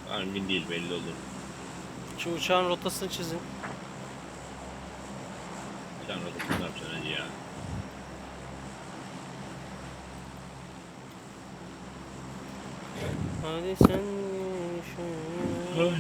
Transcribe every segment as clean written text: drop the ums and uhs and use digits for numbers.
Emin değil, belli olur. Şu uçağın rotasını çizin. Sen rotasını ne yapacaksın hacı ya? Hadi sen şu...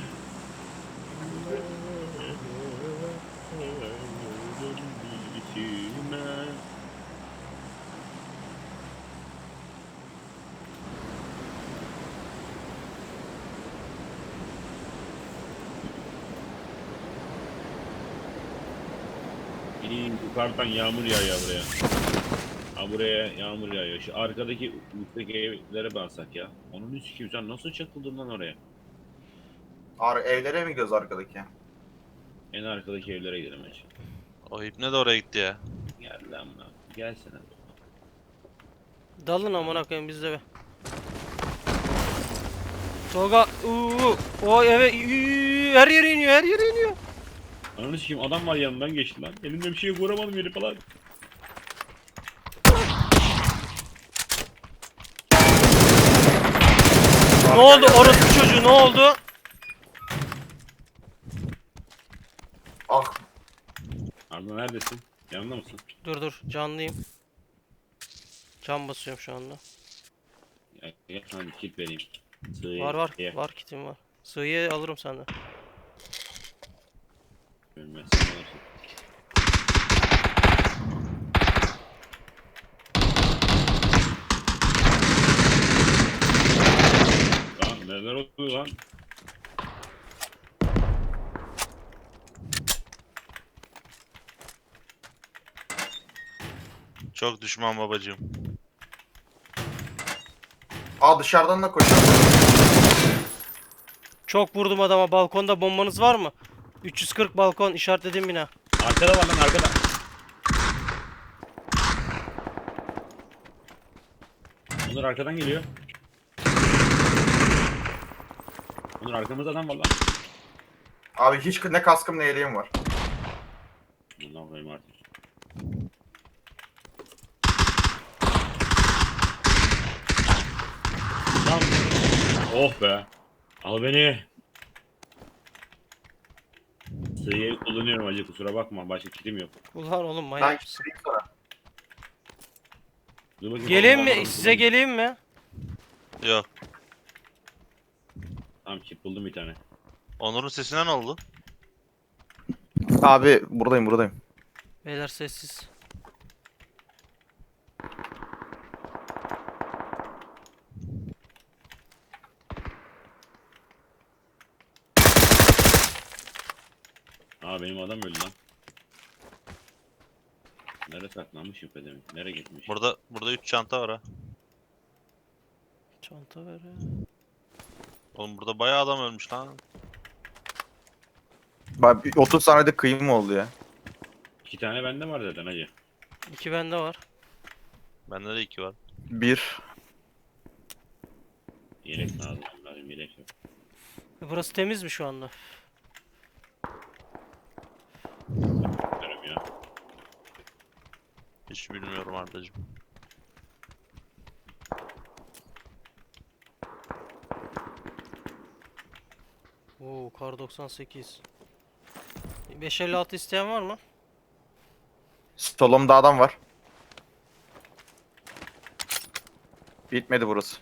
Yukarıdan yağmur yağıyor buraya. Ha, buraya yağmur yağıyor. Şu arkadaki üstteki evlere baksak ya. Onun üstü kim? Sen nasıl çakıldın lan oraya? Evlere mi gidiyoruz arkadaki? En arkadaki evlere gidelim hacı. O ipne de oraya gitti ya. Gel lan lan. Gelsene. Dalın amına koyayım bizde be. Tolga o eve her yere iniyor, her yere iniyor. Ananı sikeyim, adam var yanından geçti lan. Elimde bir şey yok, vuramadım yeri falan. Ne oldu orospu çocuğu, ne oldu? Ah, Arda neredesin? Yanında mısın? Dur canlıyım. Can basıyorum şu anda. Gel sana bir kit vereyim. Sığ Var ye. var kitim var. Sığıyı alırım senden. Ölmezsin, alırsın. Lan neler oluyor lan? Çok düşman babacığım. dışarıdan da koşuyor. Çok vurdum adama. Balkonda bombanız var mı? 340 balkon işaretlediğim bina. Arkada var lan, arkada. Onur arkadan geliyor. Onur arkamızda adam var lan. Abi hiç ne kaskım ne yeleğim var. Bundan koyayım artık. Lan. Oh be. Al beni. Sığıyı kullanıyorum acı, kusura bakma, başka kitim yok. Ulan oğlum Ben manyak mısın? gideyim sana. Dur bakayım, Geleyim Allah mi? Allah, Size buldum. geleyim mi? Yok. Tamam, kit buldum bir tane. Onur'un sesine ne oldu? Abi buradayım. Beyler sessiz. Aa, benim adam öldü lan. Nereye saklanmış demek? Nereye gitmiş? Burada 3 çanta var ha. Çanta ver ya. Oğlum burada bayağı adam ölmüş lan. Bak 30 saniyede kıyım oldu ya. 2 tane bende var zaten hacı. 2 bende var. Bende de 2 var. 1. Yelek lazım. Lazım yelek yok. Burası temiz mi şu anda? Bilmiyorum ya. Hiç bilmiyorum Ardacığım. Oo kar 98. 556 isteyen var mı? Solumda adam var. Bitmedi burası.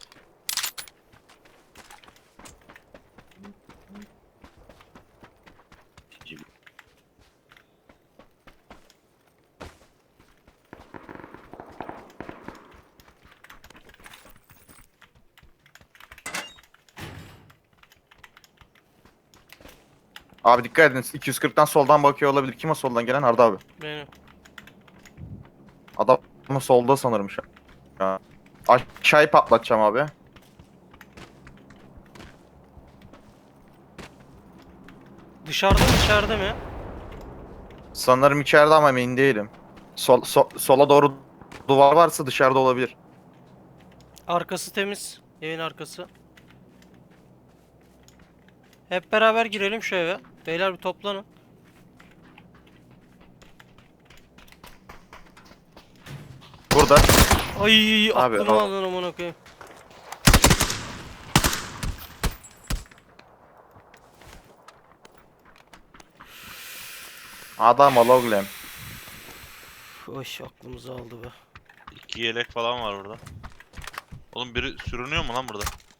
İkinci- Abi dikkat edin. 240'tan soldan bakıyor olabilir. Kim o soldan gelen? Arda abi. Benim. Adam solda sanırım şu an. Aşağıyı patlatacağım abi. Dışarıda mı içeride mi? Sanırım içeride ama emin değilim. Sola doğru duvar varsa dışarıda olabilir. Arkası temiz. Evin arkası. Hep beraber girelim şu eve. Beyler bir toplanın. Burada. Ay Abi, aklımı aldın amına koyayım. Adam ol oğlum. Oy aklımızı aldı be. 2 yelek falan var burada. Oğlum biri sürünüyor mu lan burada?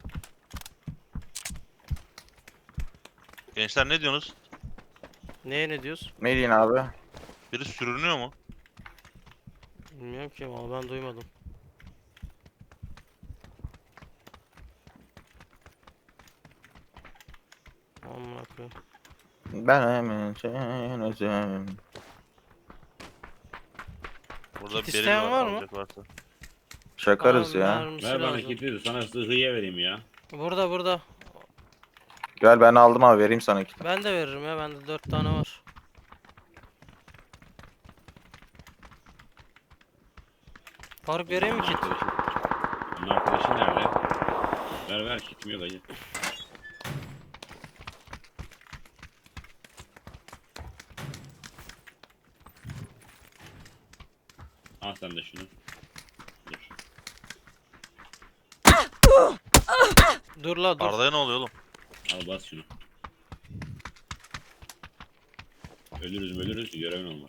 Gençler ne diyorsunuz? Neye ne diyoruz? Ne diyorsun abi? Biri sürünüyor mu? Bilmiyorum ki ama ben duymadım. Amına koyayım. Ben hemen senizim. Burada Kit beril isteyen var mı? alacak varsa. Çakarız Aa, ya. mermisi Ver bana lazım. kiti de sana sıhhiye vereyim ya. Burada. Gel ben aldım abi vereyim sana kit. Ben de veririm ya. Bende 4 tane var. Faruk vereyim mi kit? Bunun arkadaşı nerede? Ver kitim yok acı. Al sen de şunu. Dur. Dur la dur. Arda'ya ne oluyor oğlum? Al bas şunu. Ölürüz görevin olmaz.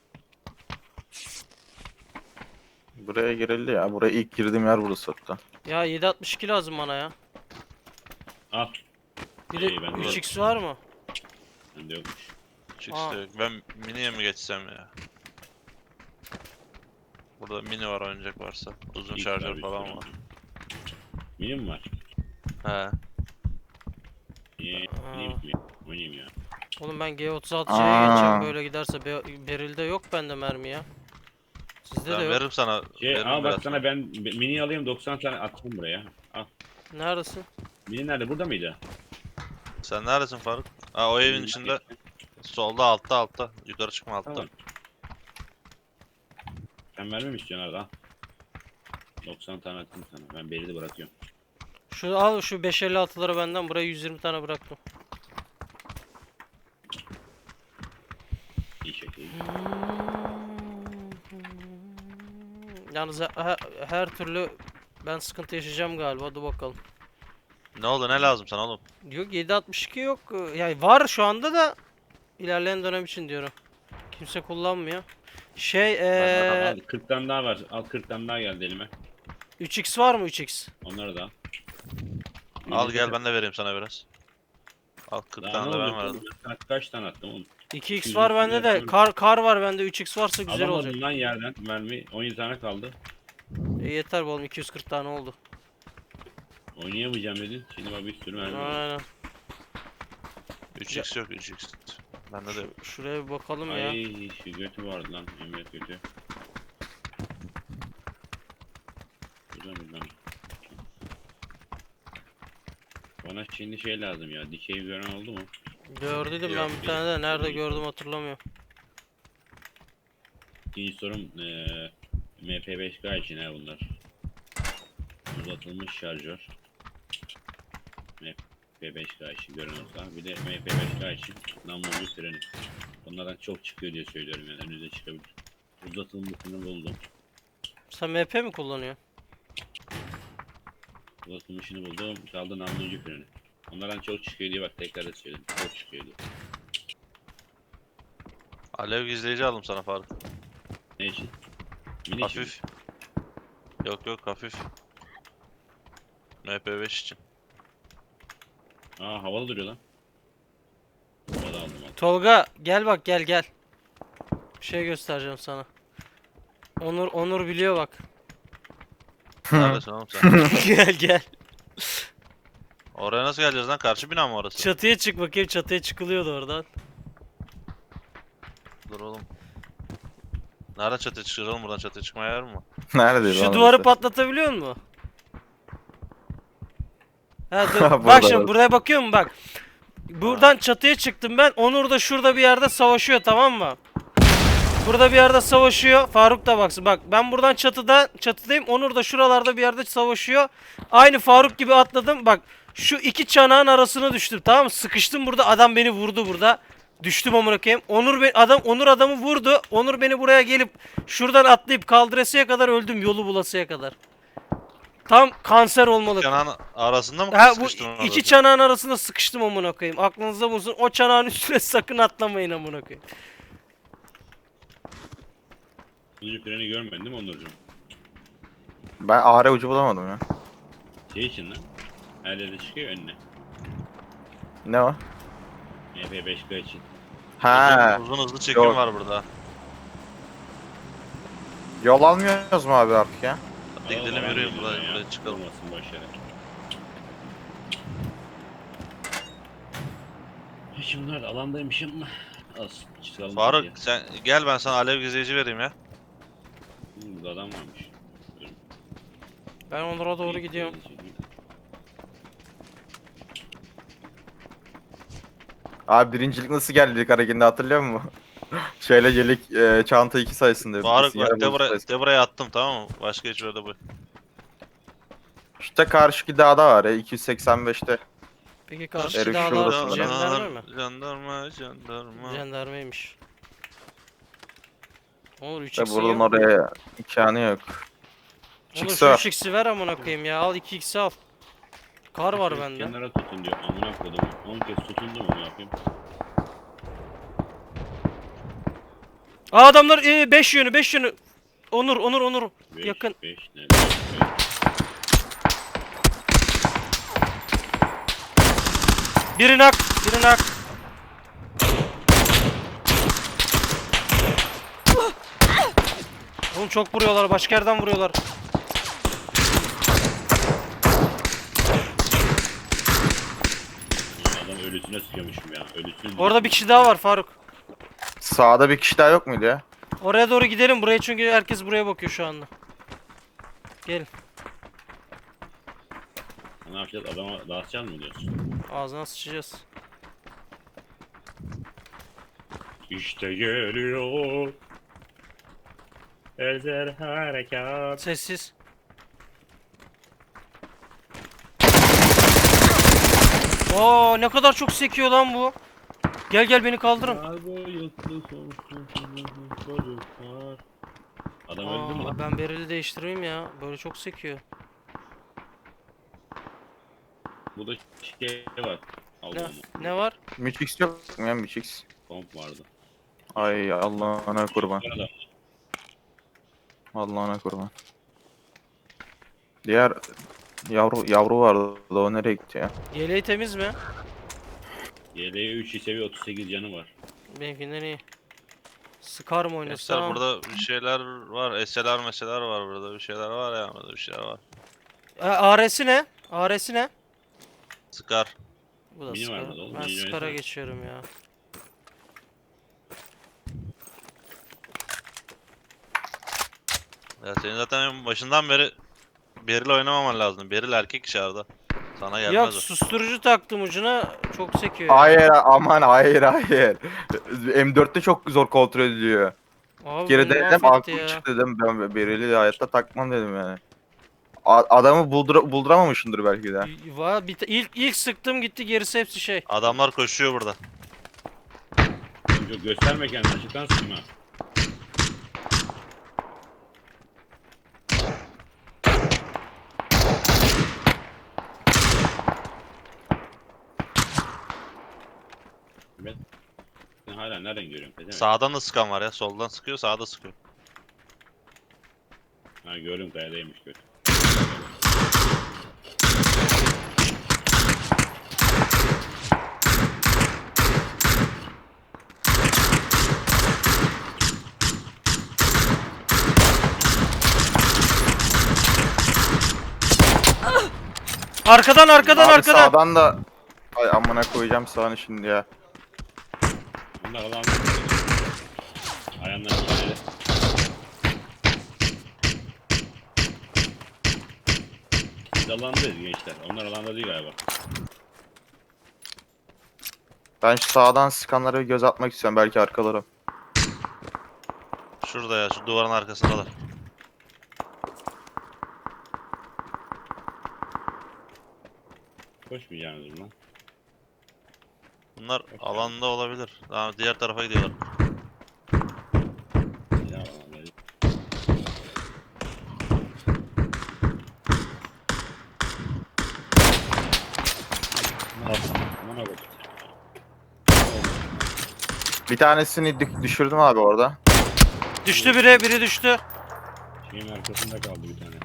Buraya girildi ya. Buraya ilk girdiğim yer burası hatta. Ya 7.62 lazım bana ya. Al. Bir de İyi, ben de 3x var mı? Bende yokmuş. Çıkışta yok. Ben miniye mi geçsem ya? Burada mini var oyuncak varsa. Uzun İlk şarjör bir falan sürü. var. Mini mi var? He. Niye? Aa. Neymiş mi? Oynayayım ya. Oğlum ben G36'ya Aa. geçeceğim böyle giderse Beril'de yok bende mermi ya. Sizde de Ben yok. veririm sana. veririm Al bak biraz sana ben mini alayım 90 tane attım buraya. Al. Neredesin? Mini nerede? Burada mıydı? Sen neredesin Faruk? Ha o evin Mini içinde. nerede? Solda altta. Yukarı çıkma altta. Tamam. Sen vermem istiyorsun Arda. 90 tane attım sana. Ben beri de bırakıyorum. Şu al şu 556'ları benden buraya 120 tane bıraktım. İyi şekilde. Yalnız her türlü ben sıkıntı yaşayacağım galiba. Dur bakalım. Ne oldu ne lazım sana oğlum? Yok 7.62 yok. Yani var şu anda da ilerleyen dönem için diyorum. Kimse kullanmıyor. Şey Al 40 tane daha var. Al 40 tane daha geldi elime. 3x var mı 3x? Onları da al. Al gel ben de vereyim sana biraz. Al 40 Daha tane ne de ben olacak verdim. oğlum? Ben sana kaç tane attım oğlum? 2x var bende de. yapıyorum. Kar var bende. 3x varsa güzel olacak. Alamadım lan yerden mermi. 17 tane kaldı. Yeter bu oğlum 240 tane oldu. Oynayamayacağım dedin. Şimdi bak bir sürü mermi var. Aynen. 3x yok 3x. Bende de yok. Şuraya bir bakalım ya. Ay şu götü vardı lan. Emret götü. Güzel mi lan? Bana şimdi şey lazım ya. Dikey gören oldu mu? Gördüm ben Yok, bir tane de. Nerede gördüm hatırlamıyorum. İkinci sorum MP5K için ha bunlar. Uzatılmış şarjör. MP5K için gören olsa. Bir de MP5K için namlulu freni. Onlardan çok çıkıyor diye söylüyorum yani. Önünüze çıkabilir. Uzatılmışını buldum. Sen MP mi kullanıyorsun? Uzatılmışını buldum. Kaldı namlucu freni. Onlardan çok çıkıyor diye bak tekrar da söyledim. Çok çıkıyor diye. Alev gizleyici aldım sana Faruk. Ne için? Mini için mi? Hafif. Yok hafif. MP5 için. Aa havalı duruyor lan. Havalı aldım aldım. Tolga gel bak gel. Bir şey göstereceğim sana. Onur biliyor bak. Neredesin oğlum sen? Gel. Oraya nasıl geleceğiz lan? Karşı bina mı orası? Çatıya çık bakayım. Çatıya çıkılıyordu oradan. Dur oğlum. Nereden çatıya çıkacağız oğlum? Buradan çatıya çıkmaya yer mi var? Neredeyiz Şu lan duvarı orası? patlatabiliyor musun? Ha, dur. Burada Bak şimdi bak. buraya bakıyor musun bak. Buradan çatıya çıktım ben. Onur da şurada bir yerde savaşıyor tamam mı? Burada bir yerde savaşıyor. Faruk da baksın. Bak ben buradan çatıdayım. Onur da şuralarda bir yerde savaşıyor. Aynı Faruk gibi atladım. Bak şu iki çanağın arasına düştüm tamam mı? Sıkıştım burada. Adam beni vurdu burada. Düştüm amına koyayım. Onur adamı vurdu. Onur beni buraya gelip şuradan atlayıp kaldırasıya kadar öldüm yolu bulasıya kadar. Tam kanser olmalı. Yanağın arasında mı Ha bu sıkıştın orada? iki çanağın arasında sıkıştım amına koyayım. Aklınızda bulunsun. O çanağın üstüne sakın atlamayın amına koyayım. Kutucu freni görmedin değil mi Onurcuğum? Ben AR ucu bulamadım ya. Şey için lan. Her yerde çıkıyor önüne. Ne o? MP5K için. Ha, Uzun hızlı çekim Yok. var burada. yol almıyoruz mu abi artık ya? Hadi gidelim yürüyün Alan buraya, buraya çıkalım. Olmasın boşver. Şimdi bunlar da alandaymışım. Az çıkalım. Faruk diye. sen gel, ben sana alev gezeyici vereyim ya. Burada adam varmış. Ben Onur'a doğru gidiyorum. Abi birincilik nasıl geldik hareketinde hatırlıyor musun? Şöyle gelik çanta 2 sayısında. Faruk Yarı bak de bozuk buraya, sayısı. de buraya attım, tamam mı? Başka hiçbir yerde bu. İşte karşıki dağda var ya 285'te. Peki karşı Herif dağlar şurada. jandarma mı? Jandarma. Jandarmaymış. Onur İşte 3x'i buradan yok. oraya imkanı yok. Onur Çıksa. şu 3x'i ver amına koyayım ya. Al 2x'i al. Kar var bende. Kenara tutun diyor. Amına kodum. 10 kez tutundu mu ne yapayım? Aa adamlar 5 yönü 5 yönü. Onur. Beş, Yakın. 5 ne? Biri nak. Biri nak. Oğlum çok vuruyorlar. Başka yerden vuruyorlar. Adam ölüsüne sıkıyormuşum ya. Ölüsüne. Orada bir kişi daha var Faruk. Sağda bir kişi daha yok muydu ya? Oraya doğru gidelim. Buraya çünkü herkes buraya bakıyor şu anda. Gelin. Ne yapacağız? Adama dağıtacağız mı diyorsun? Ağzına sıçacağız. İşte geliyor. Ezer harekat. Sessiz. Oo ne kadar çok sekiyor lan bu. Gel beni kaldırın. Adam öldü mü lan? Ben bereli değiştireyim ya. Böyle çok sekiyor. Bu da şey var. Ne, Allah'ım. ne var? Müçix yok mu ya Müçix? Pomp vardı. Ay Allah'ına kurban. Bu arada Allah'ına kurban. Diğer yavru vardı o nereye gitti ya? Yeleği temiz mi? YL'ye 3 seviye 38 canı var. Benimkinden iyi. Scar mı Gençler oynasam? burada bir şeyler var. SLR meseler var burada. Bir şeyler var ya, burada bir şeyler var. AR'si ne? AR'si ne? Sıkar. Bu da Mini Scar. var burada oğlum, Ben mini Scar'a oynasana. geçiyorum ya. Ya senin zaten başından beri Beril oynamaman lazım. Beril erkek dışarıda. Sana gelmez Yok o. susturucu taktım ucuna çok sekiyor. Hayır aman hayır. M4'te çok zor kontrol ediliyor. Abi Geri beni dedim mahvetti aklım ya. çıktı dedim ben Bereli hayatta takmam dedim yani. Adamı bulduramamışındır belki de. İlk sıktım gitti gerisi hepsi şey. Adamlar koşuyor burada. Çok gösterme kendini açıktan sıkma. Ben hala nereden görüyorum? Pezevenk. Sağdan da sıkan var ya. Soldan sıkıyor, sağda sıkıyor. Ha gördüm kayadaymış gördüm. Arkadan Abi sağdan da ay amına koyacağım sağını şimdi ya. Bunlar alan. Ayağından bir Biz alandayız gençler. Onlar alanda değil galiba. Ben şu sağdan sıkanlara bir göz atmak istiyorum belki arkalarım. Şurada ya, şu duvarın arkasındalar. Koşmayacağınız lan. Bunlar alanda olabilir. Daha diğer tarafa gidiyorlar. Ya alandayız. Aman abi. Bir tanesini düşürdüm abi orada. Düştü biri düştü. Şeyin arkasında kaldı bir tane.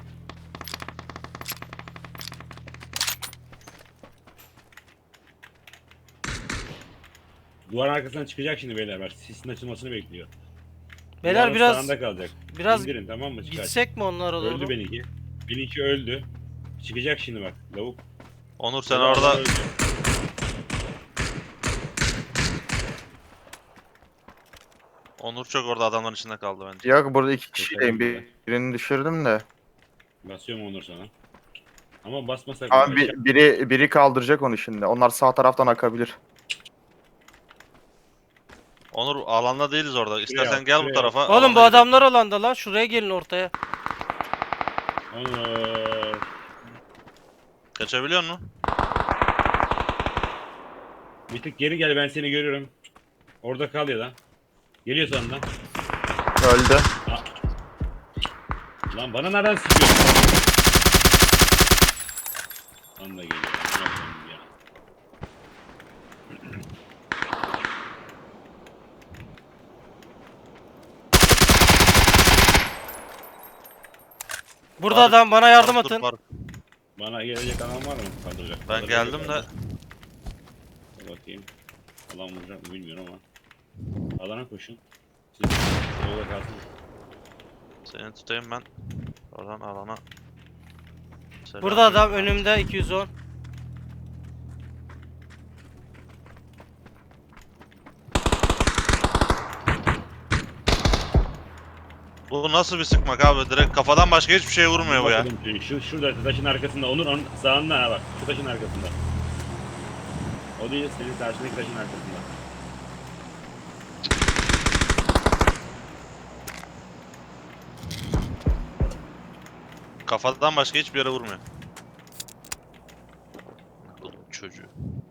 Duvarın arkasından çıkacak şimdi beyler. Bak sisin açılmasını bekliyor. Beyler Duvarın biraz sağında kalacak. biraz İndirin tamam mı? Çıkar. gitsek mi onlara doğru? Öldü benimki. Benimki öldü. Çıkacak şimdi bak lavuk. Onur sen Lavuk orada öldü. Onur çok orada adamların içinde kaldı bence. Yok burada iki kişiyim. Birini düşürdüm de. Basıyorum Onur sana. Ama basmasak Ama mı? biri kaldıracak onu şimdi. Onlar sağ taraftan akabilir. Onur alanda değiliz orada. İstersen at, gel bu şuraya tarafa. Oğlum bu alana gidelim. adamlar alanda lan. Şuraya gelin ortaya. Onur. Kaçabiliyor musun? Bir tık geri gel ben seni görüyorum. Orada kal ya da. Geliyor sonunda. Öldü. Lan bana nereden sıkıyorsun? Lan da geliyor. Amına koyayım ya. Burada Faruk, adam bana yardım Faruk, dur, atın. Faruk. Bana gelecek adam var mı? Kaldıracak. Ben geldim de. Dur bakayım. Alan vuracak mı bilmiyorum ama. Alana koşun. Siz yolda kalsın. Seni tutayım ben. Oradan alana. Selam. Burada adam önümde 210. Bu nasıl bir sıkmak abi? Direkt kafadan başka hiçbir şey vurmuyor bu ya. Bakalım, şurada taşın arkasında. Onun sağında ha bak. Şu taşın arkasında. O değil senin karşındaki taşın arkasında. Kafadan başka hiçbir yere vurmuyor. Bu çocuğu.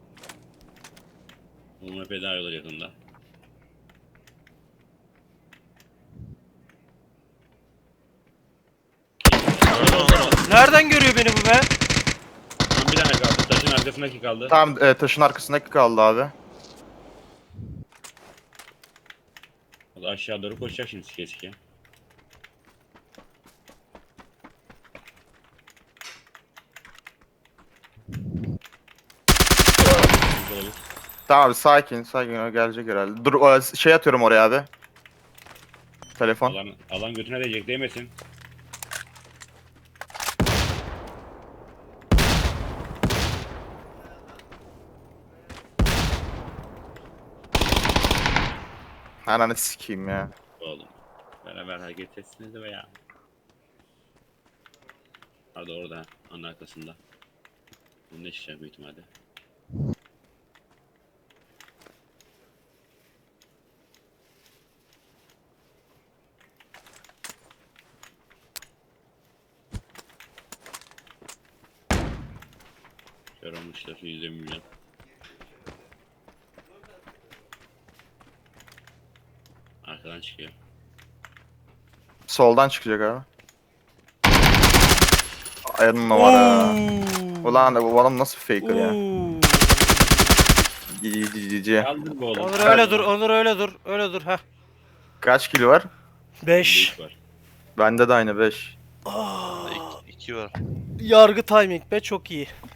Onunla feda yolu yakında. Gördün Onur. Nereden görüyor beni bu be? Tam bir tane kaldı. Taşın arkasındaki kaldı. Tamam taşın arkasındaki kaldı abi. O da aşağı doğru koşacak şimdi sike sike. Güzel olur. Tamam abi sakin o gelecek herhalde. Dur şey atıyorum oraya abi. Telefon. Alan götüne değecek değmesin. Ananı sikeyim ya. Oğlum. Beraber hareket etsiniz de veya. Hadi orada anın arkasında. Bunun ne çıkacak büyük ihtimalle. Kör olmuşlar şu 120 milyon. Arkadan çıkıyor. Soldan çıkacak abi. Ayağının numara. Ulan bu adam nasıl faker ya. Cici. Kaldır bu oğlum. Onur öyle dur, Onur öyle dur. Öyle dur ha. Kaç kilo var? 5. Büyük var. Bende de aynı 5. İki var. Yargı timing be çok iyi.